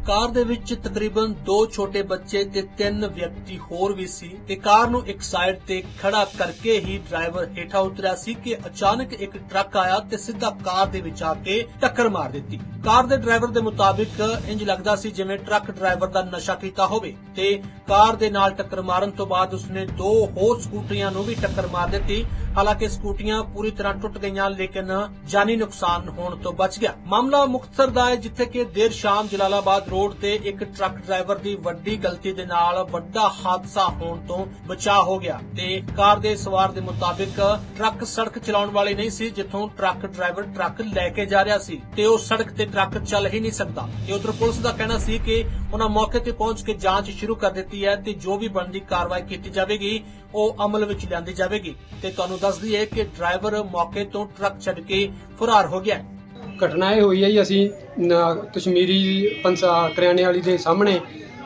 ਕਾਰ ਦੇ ਵਿੱਚ ਤਕਰੀਬਨ 2 ਛੋਟੇ ਬੱਚੇ ਤੇ 3 ਵਿਅਕਤੀ ਹੋਰ ਵੀ ਸੀ ਤੇ ਕਾਰ ਨੂੰ ਇੱਕ ਸਾਈਡ ਤੇ ਖੜਾ ਕਰਕੇ ਹੀ ਡਰਾਈਵਰ ਹੇਠਾਂ ਉਤਰਿਆ ਸੀ ਕਿ ਅਚਾਨਕ ਇੱਕ ਟਰੱਕ ਆਇਆ ਤੇ ਸਿੱਧਾ ਕਾਰ ਦੇ ਵਿੱਚ ਆ ਕੇ ਟੱਕਰ ਮਾਰ ਦਿੱਤੀ। ਕਾਰ ਦੇ ਡਰਾਈਵਰ ਦੇ ਮੁਤਾਬਿਕ ਇੰਜ ਲੱਗਦਾ ਸੀ ਜਿਵੇਂ ਟਰੱਕ ਡਰਾਈਵਰ ਦਾ ਨਸ਼ਾ ਕੀਤਾ ਹੋਵੇ ਤੇ ਕਾਰ ਦੇ ਨਾਲ ਟੱਕਰ ਮਾਰਨ ਤੋਂ ਬਾਅਦ ਉਸਨੇ 2 ਹੋਰ ਸਕੂਟਰੀਆਂ ਨੂੰ ਵੀ ਟੱਕਰ ਮਾਰ ਦਿੱਤੀ। ਹਾਲਾਂਕਿ ਸਕੂਟਰੀਆਂ ਪੂਰੀ ਤਰ੍ਹਾਂ ਟੁੱਟ ਗਈਆਂ ਲੇਕਿਨ ਜਾਨੀ ਨੁਕਸਾਨ ਹੋਣ ਤੋਂ ਬਚ ਗਿਆ। ਮਾਮਲਾ ਮੁਕਤਸਰ ਦਾ ਹੈ ਜਿੱਥੇ ਕਿ ਦੇਰ ਸ਼ਾਮ ਜਲਾਲਾਬਾਦ ਰੋਡ ਤੇ ਇੱਕ ਟਰੱਕ ਡਰਾਈਵਰ ਦੀ ਵੱਡੀ ਗਲਤੀ ਦੇ ਨਾਲ ਵੱਡਾ ਹਾਦਸਾ ਹੋਣ ਤੋਂ ਬਚਾਅ ਹੋ ਗਿਆ ਤੇ ਕਾਰ ਦੇ ਸਵਾਰ ਦੇ ਮੁਤਾਬਿਕ ਟਰੱਕ ਸੜਕ ਚਲਾਉਣ ਵਾਲੀ ਨਹੀਂ ਸੀ ਜਿੱਥੋਂ ਟਰੱਕ ਡਰਾਈਵਰ ਟਰੱਕ ਲੈ ਕੇ ਜਾ ਰਿਹਾ ਸੀ ਤੇ ਉਹ ਸੜਕ ਤੇ ਟਰੱਕ ਚੱਲ ਹੀ ਨਹੀਂ ਸਕਦਾ ਤੇ ਉਧਰ ਪੁਲਿਸ ਦਾ ਕਹਿਣਾ ਸੀ ਕਿ ਉਹਨਾਂ ਮੌਕੇ ਤੇ ਪਹੁੰਚ ਕੇ ਜਾਂਚ ਸ਼ੁਰੂ ਕਰ ਦਿੱਤੀ ਹੈ ਤੇ ਜੋ ਵੀ ਬਣਦੀ ਕਾਰਵਾਈ ਕੀਤੀ ਜਾਵੇਗੀ ਉਹ ਅਮਲ ਵਿੱਚ ਲਿਆਂਦੀ ਜਾਵੇਗੀ ਤੇ ਤੁਹਾਨੂੰ ਦੱਸ ਦਈਏ ਕਿ ਡਰਾਈਵਰ ਮੌਕੇ ਤੋਂ ਟਰੱਕ ਛੱਡ ਕੇ ਫਰਾਰ ਹੋ ਗਿਆ। ਘਟਨਾ ਇਹ ਹੋਈ ਹੈ ਜੀ, ਅਸੀਂ ਕਸ਼ਮੀਰੀ ਕਰਿਆਨੇ ਵਾਲੀ ਦੇ ਸਾਹਮਣੇ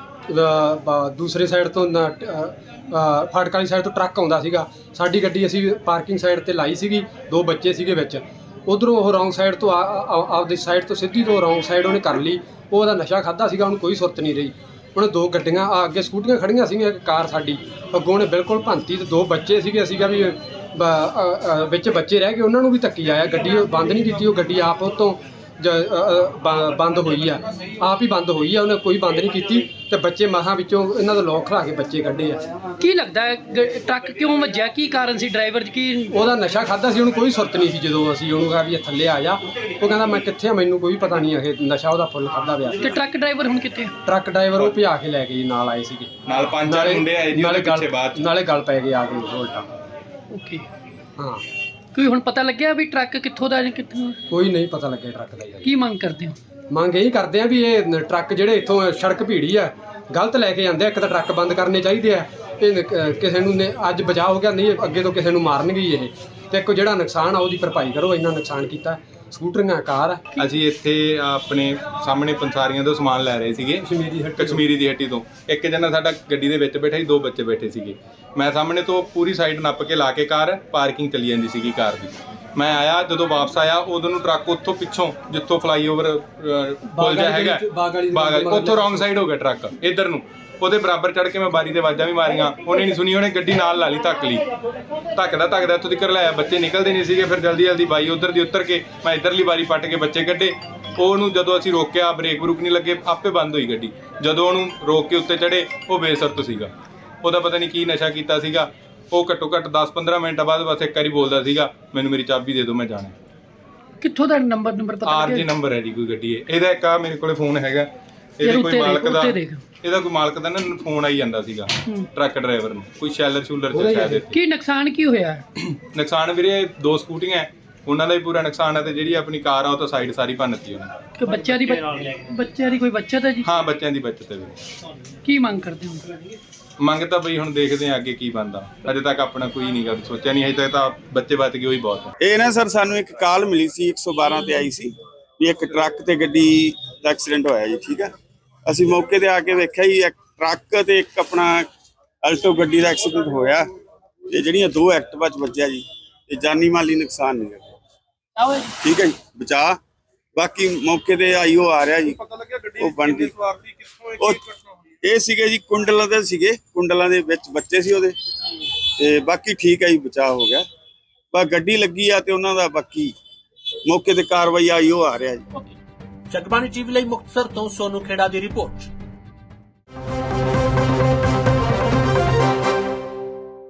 ਦੂਸਰੇ ਸਾਈਡ ਤੋਂ ਫਾਟਕ ਵਾਲੀ ਸਾਈਡ ਤੋਂ ਟਰੱਕ ਆਉਂਦਾ ਸੀਗਾ। ਸਾਡੀ ਗੱਡੀ ਅਸੀਂ ਪਾਰਕਿੰਗ ਸਾਈਡ ਤੇ ਲਾਈ ਸੀਗੀ, 2 ਬੱਚੇ ਸੀਗੇ ਵਿੱਚ। ਉਧਰੋਂ ਉਹ ਰੌਂਗ ਸਾਈਡ ਤੋਂ ਆਪਦੀ ਸਾਈਡ ਤੋਂ ਸਿੱਧੀ ਤੋਂ ਰੌਂਗ ਸਾਈਡ ਉਹਨੇ ਕਰ ਲਈ। ਉਹਦਾ ਨਸ਼ਾ ਖਾਦਾ ਸੀਗਾ, ਉਹਨੂੰ ਕੋਈ ਸੁਰਤ ਨਹੀਂ ਰਹੀ। ਉਹਨੇ 2 ਗੱਡੀਆਂ ਅੱਗੇ ਸਕੂਟੀਆਂ ਖੜੀਆਂ ਸੀਗੀਆਂ, ਇੱਕ ਕਾਰ ਸਾਡੀ ਅੱਗੋਂ ਉਹਨੇ ਬਿਲਕੁਲ ਭੰਤੀ ਤੇ 2 ਬੱਚੇ ਸੀਗੇ। ਅਸੀਂ ਕਿਹਾ ਵੀ ਵਿੱਚ ਬੱਚੇ ਰਹਿ ਗਏ, ਉਹਨਾਂ ਨੂੰ ਵੀ ਧੱਕੀ ਆਇਆ। ਗੱਡੀ ਬੰਦ ਨਹੀਂ ਕੀਤੀ, ਉਹ ਗੱਡੀ ਆਪ ਉਤੋਂ ਬੰਦ ਹੋਈ ਆ, ਆਪ ਹੀ ਬੰਦ ਹੋਈ ਆ, ਉਹਨੇ ਕੋਈ ਬੰਦ ਨਹੀਂ ਕੀਤੀ ਤੇ ਬੱਚੇ ਮਸਾਂ ਵਿੱਚੋਂ ਇਹਨਾਂ ਦਾ ਲੋਕ ਖਲਾ ਕੇ ਬੱਚੇ ਕੱਢੇ ਆ। ਕੀ ਲੱਗਦਾ ਹੈ ਟਰੱਕ ਕਿਉਂ ਵੱਜਿਆ, ਕੀ ਕਾਰਨ ਸੀ? ਡਰਾਈਵਰ ਕੀ ਉਹਦਾ ਨਸ਼ਾ ਖਾਦਾ ਸੀ, ਉਹਨੂੰ ਕੋਈ ਸੁਰਤ ਨਹੀਂ ਸੀ। ਜਦੋਂ ਅਸੀਂ ਉਹਨੂੰ ਕਿਹਾ ਵੀ ਥੱਲੇ ਆ ਜਾ, ਉਹ ਕਹਿੰਦਾ ਮੈਂ ਕਿੱਥੇ ਆ, ਮੈਨੂੰ ਕੋਈ ਪਤਾ ਨਹੀਂ ਹੈ। ਨਸ਼ਾ ਉਹਦਾ ਫੁੱਲ ਖਾਦਾ ਪਿਆ। ਤੇ ਟਰੱਕ ਡਰਾਈਵਰ ਹੁਣ ਕਿੱਥੇ? ਟਰੱਕ ਡਰਾਈਵਰ ਉਹ ਭਜਾ ਕੇ ਲੈ ਗਏ, ਨਾਲ ਆਏ ਸੀਗੇ, ਨਾਲ 5-4 ਮੁੰਡੇ ਆਏ ਜੀ ਉਹਦੇ ਪਿੱਛੇ ਬਾਅਦ ਨਾਲੇ ਗੱਲ ਪੈ ਗਈ ਆ ਕੇ ਉਲਟਾ। ਓਕੇ, ਹਾਂ, ਕੋਈ ਹੁਣ ਪਤਾ ਲੱਗਿਆ ਵੀ ਟਰੱਕ ਕਿੱਥੋਂ ਦਾ ਜਾਂ ਕਿੱਥੋਂ? ਕੋਈ ਨਹੀਂ ਪਤਾ ਲੱਗਿਆ ਟਰੱਕ ਦਾ। ਕੀ ਮੰਗ ਕਰਦੇ ਹੋ? ਮੰਗ ਇਹੀ ਕਰਦੇ ਆ ਵੀ ਇਹ ਟਰੱਕ ਜਿਹੜੇ ਇੱਥੋਂ ਸੜਕ ਭੀੜੀ ਆ ਗਲਤ ਲੈ ਕੇ ਜਾਂਦੇ ਆ। ਇੱਕ ਤਾਂ ਟਰੱਕ ਬੰਦ ਕਰਨੇ ਚਾਹੀਦੇ ਆ, ਇਹ ਕਿਸੇ ਨੂੰ ਅੱਜ ਬਚਾਅ ਹੋ ਗਿਆ, ਨਹੀਂ ਅੱਗੇ ਤੋਂ ਕਿਸੇ ਨੂੰ ਮਾਰਨਗੇ ਇਹ। ਤੇ ਇੱਕ ਜਿਹੜਾ ਨੁਕਸਾਨ ਆ ਉਹਦੀ ਭਰਪਾਈ ਕਰੋ, ਇੰਨਾ ਨੁਕਸਾਨ ਕੀਤਾ। ਸਕੂਟਰੀਆਂ, ਕਾਰ। ਅਸੀਂ ਇੱਥੇ ਆਪਣੇ ਸਾਹਮਣੇ ਪੰਸਾਰੀਆਂ ਤੋਂ ਸਮਾਨ ਲੈ ਰਹੇ ਸੀਗੇ, ਕਸ਼ਮੀਰੀ ਦੀ ਹੱਟੀ ਤੋਂ। ਇੱਕ ਜਣਾ ਸਾਡਾ ਗੱਡੀ ਦੇ ਵਿੱਚ ਬੈਠਾ ਸੀ, 2 ਬੱਚੇ ਬੈਠੇ ਸੀਗੇ। ਮੈਂ ਸਾਹਮਣੇ ਤੋਂ ਪੂਰੀ ਸਾਈਡ ਨੱਪ ਕੇ ਲਾ ਕੇ ਕਾਰ ਪਾਰਕਿੰਗ ਚਲੀ ਜਾਂਦੀ ਸੀਗੀ ਕਾਰ ਦੀ। ਮੈਂ ਆਇਆ, ਜਦੋਂ ਵਾਪਸ ਆਇਆ ਉਦੋਂ ਨੂੰ ਟਰੱਕ ਉੱਥੋਂ ਪਿੱਛੋਂ ਜਿੱਥੋਂ ਫਲਾਈਓਵਰ ਪੁੱਲ ਜਿਹਾ ਹੈਗਾ ਬਾਗ ਉੱਥੋਂ ਰੌਂਗ ਸਾਈਡ ਹੋ ਗਿਆ ਟਰੱਕ ਇੱਧਰ ਨੂੰ। ਉਹਦੇ ਬਰਾਬਰ ਚੜ ਕੇ ਮੈਂ ਬਾਰੀ ਦੇ ਆਵਾਜ਼ਾਂ ਵੀ ਮਾਰੀਆਂ, ਉਹਨੇ ਨਹੀਂ ਸੁਣੀ। ਉਹਨੇ ਗੱਡੀ ਨਾਲ ਲਾ ਲਈ, ਧੱਕ ਲਈ। ਧੱਕਦਾ ਇੱਥੋਂ ਤੱਕ ਲਾਇਆ, ਬੱਚੇ ਨਿਕਲਦੇ ਨਹੀਂ ਸੀਗੇ। ਫਿਰ ਜਲਦੀ ਬਾਈ ਉੱਧਰ ਦੀ ਉਤਰ ਕੇ ਮੈਂ ਇੱਧਰਲੀ ਬਾਰੀ ਪੱਟ ਕੇ ਬੱਚੇ ਕੱਢੇ। ਉਹਨੂੰ ਜਦੋਂ ਅਸੀਂ ਰੋਕਿਆ, ਬ੍ਰੇਕ ਬਰੂਕ ਨਹੀਂ ਲੱਗੇ, ਆਪੇ ਬੰਦ ਹੋਈ ਗੱਡੀ। ਜਦੋਂ ਉਹਨੂੰ ਰੋਕ ਕੇ ਉੱਤੇ ਚੜੇ, ਉਹ ਬੇਸੁਰਤ ਸੀਗਾ। ਉਹਦਾ ਪਤਾ ਨਹੀਂ ਕੀ ਨਸ਼ਾ ਕੀਤਾ ਸੀਗਾ। ਉਹ ਘੱਟੋ ਘੱਟ 10-15 ਮਿੰਟ ਬਾਅਦ ਬਸ ਇੱਕ ਵਾਰੀ ਬੋਲਦਾ ਸੀਗਾ, ਮੈਨੂੰ ਮੇਰੀ ਚਾਬੀ ਦੇ ਦਿਓ, ਮੈਂ ਜਾਣਾ। ਕਿੱਥੋਂ ਦਾ ਨੰਬਰ ਪਤਾ ਲੱਗਿਆ? ਆਰਜੀ ਨੰਬਰ ਹੈ ਜੀ ਕੋਈ ਗੱਡੀ ਹੈ ਇਹਦਾ। ਇੱਕ ਆ ਮੇਰੇ ਕੋਲੇ ਫੋਨ ਹੈਗਾ, ਇਹਦੇ ਕੋਈ ਮਾਲਕ ਦਾ ਨਾ ਫੋਨ ਆਈ ਜਾਂਦਾ ਸੀਗਾ ਟਰੱਕ ਡਰਾਈਵਰ ਨੂੰ, ਕੋਈ ਸ਼ੈਲਰ ਸ਼ੂਲਰ ਚ ਸ਼ਾਇਦ। ਕੀ ਨੁਕਸਾਨ ਕੀ ਹੋਇਆ? ਨੁਕਸਾਨ ਵੀਰੇ 2 ਸਕੂਟੀਆਂ, ਉਹਨਾਂ ਦਾ ਵੀ ਪੂਰਾ ਨੁਕਸਾਨ ਹੈ ਤੇ ਜਿਹੜੀ ਆਪਣੀ ਕਾਰ ਆ ਉਹ ਤਾਂ ਸਾਈਡ ਸਾਰੀ ਭੰਨਤੀ ਉਹਨੇ। ਕਿ ਬੱਚਿਆਂ ਦੀ ਕੋਈ ਬੱਚਤ ਹੈ ਜੀ? ਹਾਂ, ਬੱਚਿਆਂ ਦੀ ਬੱਚਤ ਹੈ ਵੀਰੇ। ਕੀ ਮੰਗ ਕਰਦੇ ਹੋ? ਮੰਗ ਤਾਂ ਬਈ ਹੁਣ ਦੇਖਦੇ ਆ ਅੱਗੇ ਕੀ ਬਣਦਾ। ਅਜੇ ਤੱਕ ਆਪਣਾ ਕੋਈ ਨਹੀਂ ਗੱਲ ਸੋਚਿਆ ਨਹੀਂ, ਅਜੇ ਤੱਕ ਤਾਂ ਬੱਚੇ ਬਚ ਗਏ ਉਹੀ ਬਹੁਤ ਹੈ। ਇਹ ਨਾ ਸਰ ਸਾਨੂੰ ਇੱਕ ਕਾਲ ਮਿਲੀ ਸੀ, 112 ਤੇ ਆਈ ਸੀ ਵੀ ਇੱਕ ਟਰੱਕ ਤੇ ਗੱਡੀ ਦਾ ਐਕਸੀਡੈਂਟ ਹੋਇਆ ਜੀ। ਠੀਕ ਹੈ, ਅਸੀਂ ਮੌਕੇ ਤੇ ਆ ਕੇ ਵੇਖਿਆ ਜੀ, ਇੱਕ ਟਰੱਕ ਤੇ ਇੱਕ ਆਪਣਾ ਅਲਟੋ ਗੱਡੀ ਦਾ ਐਕਸੀਡੈਂਟ ਹੋਇਆ ਤੇ ਜਿਹੜੀਆਂ 2 ਐਕਟਿਵਾ ਚ ਵੱਜਿਆ ਜੀ, ਤੇ ਜਾਨੀ ਮਾਲੀ ਨੁਕਸਾਨ ਨਹੀਂ ਹੋਇਆ। ਠੀਕ ਹੈ ਜੀ, ਬਚਾ। ਬਾਕੀ ਮੌਕੇ ਤੇ ਆਈਓ ਆ ਰਿਹਾ ਜੀ, ਉਹ ਬਣਦੀ। ਉਹ ਇਹ ਸੀਗੇ ਜੀ ਕੁੰਡਲਾਂ ਦੇ ਸੀਗੇ, ਕੁੰਡਲਾਂ ਦੇ ਵਿੱਚ ਬੱਚੇ ਸੀ ਉਹਦੇ। ਤੇ ਬਾਕੀ ਠੀਕ ਹੈ ਜੀ, ਬਚਾਅ ਹੋ ਗਿਆ। ਬਸ ਗੱਡੀ ਲੱਗੀ ਆ ਤੇ ਉਹਨਾਂ ਦਾ ਬਾਕੀ ਮੌਕੇ ਤੇ ਕਾਰਵਾਈ ਆਈਓ ਆ ਰਿਹਾ ਜੀ। ਜਗਬਾਣੀ ਟੀਵੀ ਲਈ ਮੁਕਤਸਰ ਤੋਂ ਸੋਨੂ ਖੇੜਾ ਦੀ ਰਿਪੋਰਟ।